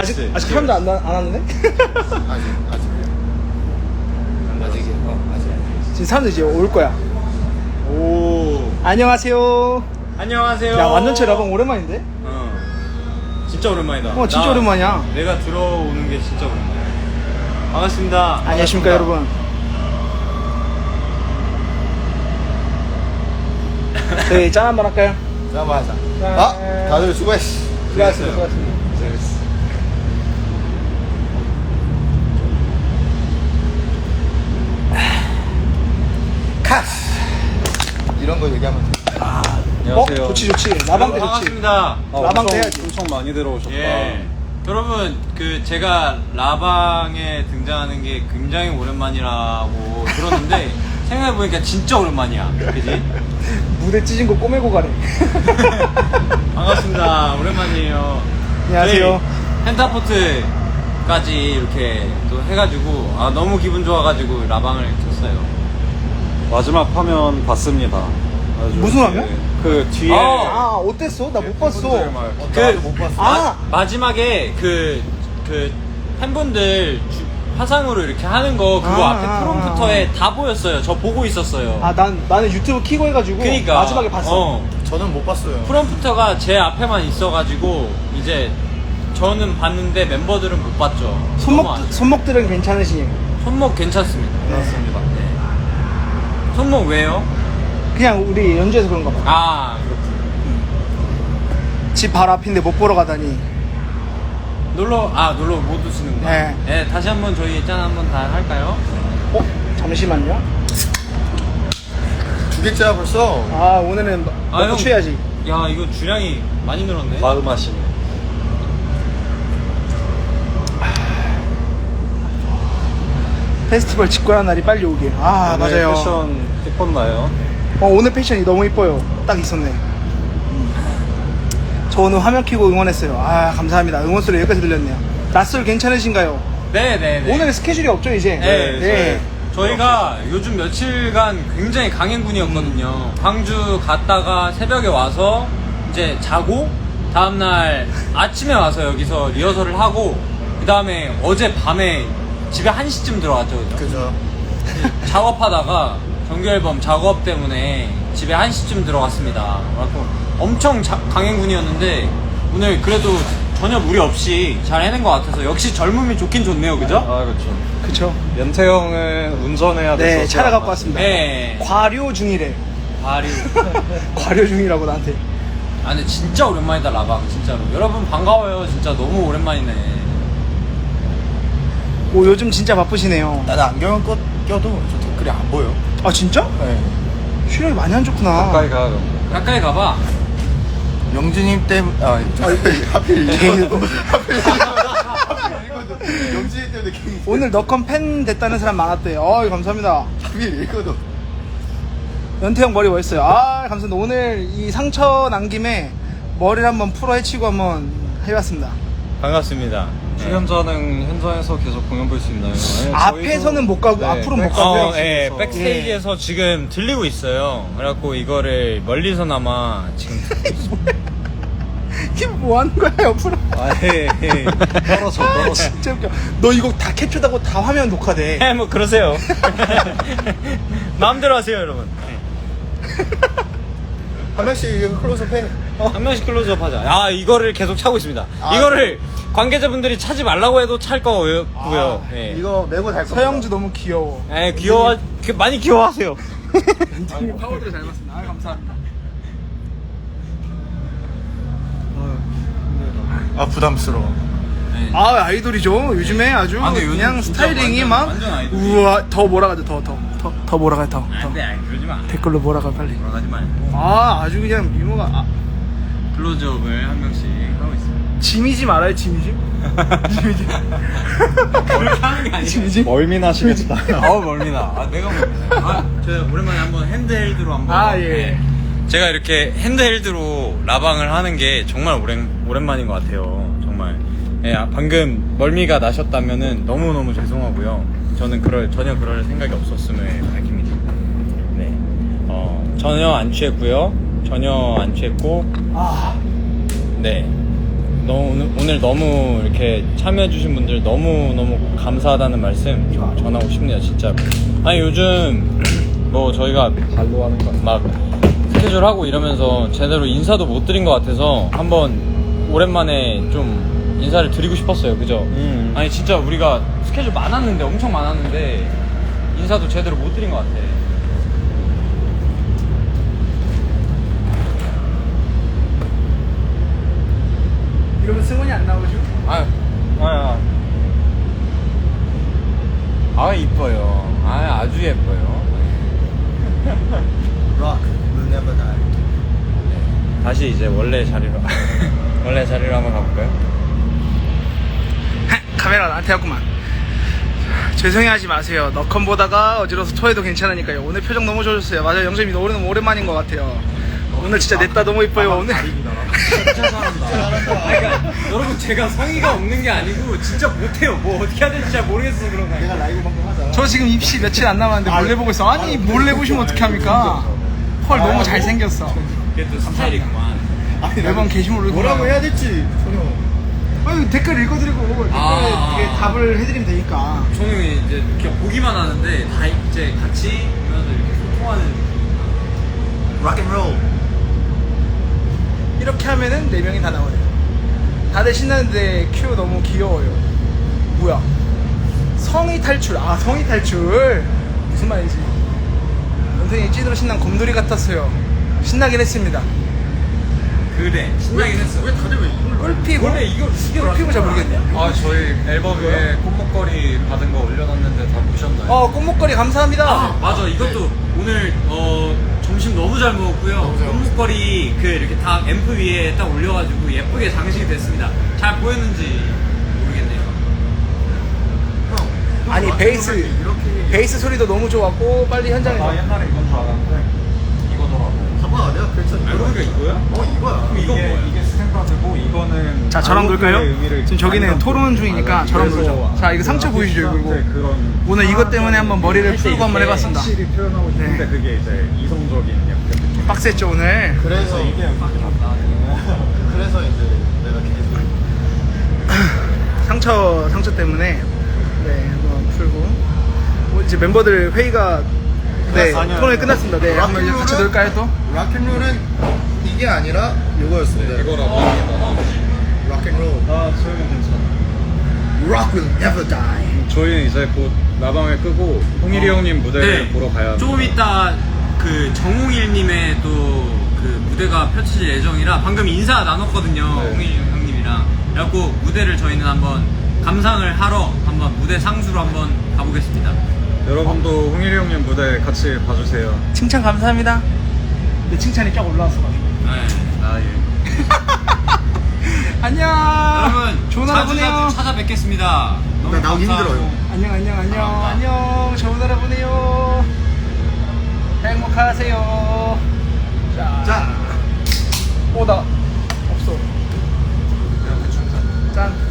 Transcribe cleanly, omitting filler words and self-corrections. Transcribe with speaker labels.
Speaker 1: 아직 사람도 안 왔는데? 지금 사람들 이제 올 거야.
Speaker 2: 오.
Speaker 1: 안녕하세요.
Speaker 2: 안녕하세요.
Speaker 1: 야, 완전체 라방 오랜만인데?
Speaker 2: 진짜 오랜만이다.
Speaker 1: 진짜 오랜만이야.
Speaker 2: 내가 들어오는 게 진짜 오랜만이야. 반갑습니다.
Speaker 1: 안녕하십니까, 여러분. 저희 짠 한번 할까요?
Speaker 3: 자, 맞아. 아, 다들 수고했어.
Speaker 1: 수고하셨습니다.
Speaker 3: 카스. 이런 거 얘기하면 돼.
Speaker 2: 안녕하세요.
Speaker 1: 좋지. 라방 때 좋지.
Speaker 2: 반갑습니다.
Speaker 1: 라방 때 해야지.
Speaker 4: 엄청 많이 들어오셨다.
Speaker 2: 예. 여러분, 제가 라방에 등장하는 게 굉장히 오랜만이라고 들었는데 생각해보니까 진짜 오랜만이야. 그지?
Speaker 1: 무대 찢은 거 꼬매고 가네.
Speaker 2: 반갑습니다. 오랜만이에요.
Speaker 1: 안녕하세요.
Speaker 2: 저희 펜타포트까지 이렇게 또 해가지고 너무 기분 좋아가지고 라방을 켰어요.
Speaker 4: 마지막 화면 봤습니다. 아주
Speaker 1: 무슨 화면?
Speaker 4: 그 뒤에
Speaker 1: 아, 어땠어? 나 못 봤어.
Speaker 3: 못 봤어.
Speaker 2: 마지막에 그 팬분들 화상으로 이렇게 하는 거 그거 앞에 프롬프터에 다 보였어요. 저 보고 있었어요.
Speaker 1: 나는 유튜브 키고 해가지고
Speaker 2: 그러니까
Speaker 1: 마지막에 봤어.
Speaker 3: 저는 못 봤어요.
Speaker 2: 프롬프터가 제 앞에만 있어가지고 이제 저는 봤는데 멤버들은 못 봤죠. 너무 아쉽네요.
Speaker 1: 손목들은 괜찮으시니?
Speaker 2: 손목 괜찮습니다.
Speaker 3: 맞습니다.
Speaker 2: 네. 손목 왜요?
Speaker 1: 그냥 우리 연주해서 그런가 봐.
Speaker 2: 그렇군.
Speaker 1: 집 바로 앞인데 못 보러 가다니.
Speaker 2: 놀러 못 오시는구나.
Speaker 1: 네.
Speaker 2: 네, 다시 한번 저희 짠 한번 다 할까요?
Speaker 1: 잠시만요.
Speaker 3: 두 개째야 벌써.
Speaker 1: 오늘은
Speaker 2: 형.
Speaker 1: 먹고 취해야지.
Speaker 2: 야, 이거 주량이 많이 늘었네.
Speaker 4: 마음하시네.
Speaker 1: 페스티벌 직관한 날이 빨리 오길. 맞아요.
Speaker 4: 패션 예뻤나요?
Speaker 1: 오늘 패션이 너무 이뻐요. 딱 있었네. 저 오늘 화면 켜고 응원했어요. 감사합니다. 응원 소리 여기까지 들렸네요. 낯설 괜찮으신가요?
Speaker 2: 네.
Speaker 1: 오늘 스케줄이 없죠 이제?
Speaker 2: 네. 저희가 요즘 며칠간 굉장히 강행군이었거든요. 광주 갔다가 새벽에 와서 이제 자고 다음날 아침에 와서 여기서 리허설을 하고 그 다음에 어제 밤에 집에 1시쯤 들어갔죠.
Speaker 3: 그죠.
Speaker 2: 작업하다가 정규앨범 작업 때문에 집에 1시쯤 들어갔습니다. 그래서 엄청 강행군이었는데 오늘 그래도 전혀 무리 없이 잘 해낸 것 같아서 역시 젊음이 좋긴 좋네요. 그죠?
Speaker 4: 그렇죠.
Speaker 1: 그쵸.
Speaker 4: 연태 형은 운전해야 돼서
Speaker 1: 네, 차를 갖고 왔습니다.
Speaker 2: 네.
Speaker 1: 과료 중이래.
Speaker 2: 발이.
Speaker 1: 과료 중이라고 나한테.
Speaker 2: 근데 진짜 오랜만이다 라방 진짜로. 여러분 반가워요. 진짜 너무 오랜만이네.
Speaker 1: 요즘 진짜 바쁘시네요.
Speaker 3: 나는 안경을 껴도 저 댓글이 안 보여.
Speaker 1: 진짜?
Speaker 3: 네.
Speaker 1: 시력이 많이 안 좋구나.
Speaker 4: 가까이 가.
Speaker 2: 가까이 가봐.
Speaker 3: 영진님 때문에 하필 이거도 영진님 때문에 괜히
Speaker 1: 오늘 너컴 팬 됐다는 사람 많았대요. 감사합니다.
Speaker 3: 하필 이거도
Speaker 1: 연태형 머리 멋있어요. 감사합니다. 오늘 이 상처 난 김에 머리를 한번 풀어 헤치고 한번 해봤습니다.
Speaker 2: 반갑습니다.
Speaker 4: 출연자는 현장에서 계속 공연 볼 수 있나요? 네,
Speaker 1: 앞에서는 못 가고 앞으로는 못 가고요.
Speaker 2: 백스테이지에서 지금 들리고 있어요. 그래갖고 이거를 멀리서나마 지금
Speaker 1: 이게 뭐 하는 거야, 옆으로?
Speaker 4: 떨어져.
Speaker 1: 진짜 웃겨. 너 이거 다 캡처하고 다 화면 녹화돼.
Speaker 2: 뭐 그러세요. 마음대로 하세요, 여러분.
Speaker 3: 한 명씩 클로즈업 해.
Speaker 2: 한 명씩 클로즈업 하자. 이거를 계속 차고 있습니다. 이거를 관계자분들이 차지 말라고 해도 찰 거고요. 예.
Speaker 3: 이거 메고 달 거.
Speaker 1: 서영주 너무 귀여워.
Speaker 2: 많이 귀여워하세요.
Speaker 1: 파워들 잘 봤습니다. 감사합니다.
Speaker 3: 부담스러워.
Speaker 1: 아이돌이죠. 요즘에 아주
Speaker 2: 근데 요즘
Speaker 1: 그냥
Speaker 2: 진짜
Speaker 1: 스타일링이 막
Speaker 2: 완전 아이돌이지.
Speaker 1: 우와 더 몰아가죠. 더 몰아가요. 더.
Speaker 2: 그러지 마.
Speaker 1: 댓글로 몰아가 빨리.
Speaker 2: 돌아가지 말고.
Speaker 1: 아주 그냥 미모가
Speaker 2: 클로즈업을 한 명씩 하고 있어요.
Speaker 1: 짐이지 말아요. 짐이지.
Speaker 2: 그렇게 하는 게 아니에요.
Speaker 1: 짐이지.
Speaker 4: 멀미나시겠다.
Speaker 2: 멀미나. 내가 멀미나. 저 오랜만에 한번 핸드헬드로 한번.
Speaker 1: 예.
Speaker 2: 제가 이렇게 핸드헬드로 라방을 하는 게 정말 오랜만인 것 같아요. 정말. 방금 멀미가 나셨다면은 너무너무 죄송하고요. 저는 전혀 그럴 생각이 없었음을 밝힙니다. 네. 전혀 안 취했고요. 전혀 안 취했고. 네.
Speaker 4: 오늘 너무 이렇게 참여해주신 분들 너무 감사하다는 말씀 전하고 싶네요, 진짜. 아니 요즘 뭐 저희가 발로 하는 거 막 스케줄 하고 이러면서 제대로 인사도 못 드린 것 같아서 한번 오랜만에 좀 인사를 드리고 싶었어요, 그죠? 아니 진짜 우리가 스케줄 많았는데 엄청 많았는데 인사도 제대로 못 드린 것 같아.
Speaker 1: 이러면 승훈이 안 나오죠?
Speaker 4: 이뻐요. 아주 예뻐요.
Speaker 3: Rock will never die.
Speaker 4: 다시 이제 원래 자리로 원래 자리로 한번 가볼까요?
Speaker 1: 카메라 나한테 왔구만. 죄송해하지 마세요. 너컴 보다가 어지러워서 토해도 괜찮으니까요. 오늘 표정 너무 좋으셨어요. 맞아요, 영재님 오늘 너무 오랜만인 것 같아요. 오늘 진짜 냈다 너무 이뻐요. 오늘
Speaker 2: 진짜 잘한다. 그러니까 여러분 제가 성의가 없는 게 아니고 진짜 못해요. 뭐 어떻게 해야 될지 잘 모르겠어 그런 거.
Speaker 3: 내가 라이브 방송 하자.
Speaker 1: 저 지금 입시 며칠 안 남았는데 몰래 보고 있어. 아니 몰래 보시면 어떻게 합니까? 헐 너무 잘생겼어.
Speaker 2: 그게 또 스타일이구만.
Speaker 1: 매번 게시물을
Speaker 3: 뭐라고 해야 될지 전혀.
Speaker 1: 아니 댓글 읽어드리고 댓글에 이게 답을 해드리면 되니까.
Speaker 2: 저는 이제 그냥 보기만 하는데 다 이제 같이 보면서 이렇게 소통하는.
Speaker 3: Rock and roll.
Speaker 1: 이렇게 하면은 4명이 다 나오네요. 다들 신나는데 큐 너무 귀여워요. 뭐야? 성의 탈출. 아 성의 탈출. 무슨 말이지? 연생이 찐으로 신난 곰돌이 같았어요. 신나긴 했습니다.
Speaker 2: 그래 신나긴 했어.
Speaker 3: 왜 다들 왜 이걸
Speaker 1: 꿀피고?
Speaker 2: 원래 이거
Speaker 1: 꿀피고 잘 모르겠네.
Speaker 4: 저희 앨범 위에 꽃목걸이 받은 거 올려놨는데 다 보셨나요?
Speaker 1: 꽃목걸이 감사합니다.
Speaker 2: 아 맞아 이것도 오늘 점심 너무 잘 먹었고요. 꽃목걸이 그 이렇게 다 앰프 위에 딱 올려가지고 예쁘게 장식이 됐습니다. 잘 보였는지 모르겠네요.
Speaker 1: 아니 베이스 소리도 너무 좋았고 빨리 현장에서.
Speaker 4: 옛날에 이건 줄 알았는데 이거더라고.
Speaker 3: 봐봐 내가 그랬잖아.
Speaker 2: 알고 보니까 이거야?
Speaker 3: 이거야.
Speaker 2: 그럼 이건 뭐야?
Speaker 4: 이게 스탠다드고 이거는
Speaker 1: 자 저랑 놀까요?
Speaker 4: 의미를
Speaker 1: 지금 저기는
Speaker 4: 많이
Speaker 1: 토론
Speaker 4: 담고
Speaker 1: 중이니까 저랑 놀죠. 자 이거 상처 보이시죠 이거?
Speaker 4: 그런
Speaker 1: 오늘 이것 때문에 한번 머리를 풀고 한번 해봤습니다.
Speaker 4: 확실히 표현하고 싶은데
Speaker 1: 네.
Speaker 4: 그게 이제 이성적인 약간 느낌.
Speaker 1: 빡셌죠 오늘.
Speaker 3: 그래서 이게 그래서 이제 내가 계속
Speaker 1: 상처 때문에 네 한번 풀고 이제 멤버들 회의가
Speaker 3: 아니요.
Speaker 1: 토론이 끝났습니다. 네 한번 이제 같이 놀까요 또?
Speaker 3: 락앤롤은 이게 아니라 이거였습니다.
Speaker 4: 이거라고.
Speaker 3: 락앤롤.
Speaker 4: 저희는 괜찮아.
Speaker 3: Rock will never die.
Speaker 4: 저희는 이제 곧 라방을 끄고 홍일이 형님 무대를 보러 가야
Speaker 2: 조금 이따 그 정홍일님의 또 그 무대가 펼쳐질 예정이라 방금 인사 나눴거든요.
Speaker 4: 네.
Speaker 2: 홍일 형님이랑. 그래갖고 무대를 저희는 한번 감상을 하러 한번 무대 상수로 한번 가보겠습니다.
Speaker 4: 여러분도 홍일이 형님 무대 같이 봐주세요.
Speaker 1: 칭찬 감사합니다. 내 칭찬이 쫙 올라왔어가지고.
Speaker 2: 네.
Speaker 1: 안녕.
Speaker 2: 여러분
Speaker 1: 좋은 하루 보내요.
Speaker 2: 자주 찾아뵙겠습니다. 너무
Speaker 3: 나 나오기
Speaker 2: 감사하고.
Speaker 3: 힘들어요.
Speaker 1: 안녕. 좋은 하루 보내요. 행복하세요. 자. 나 없어. 짠.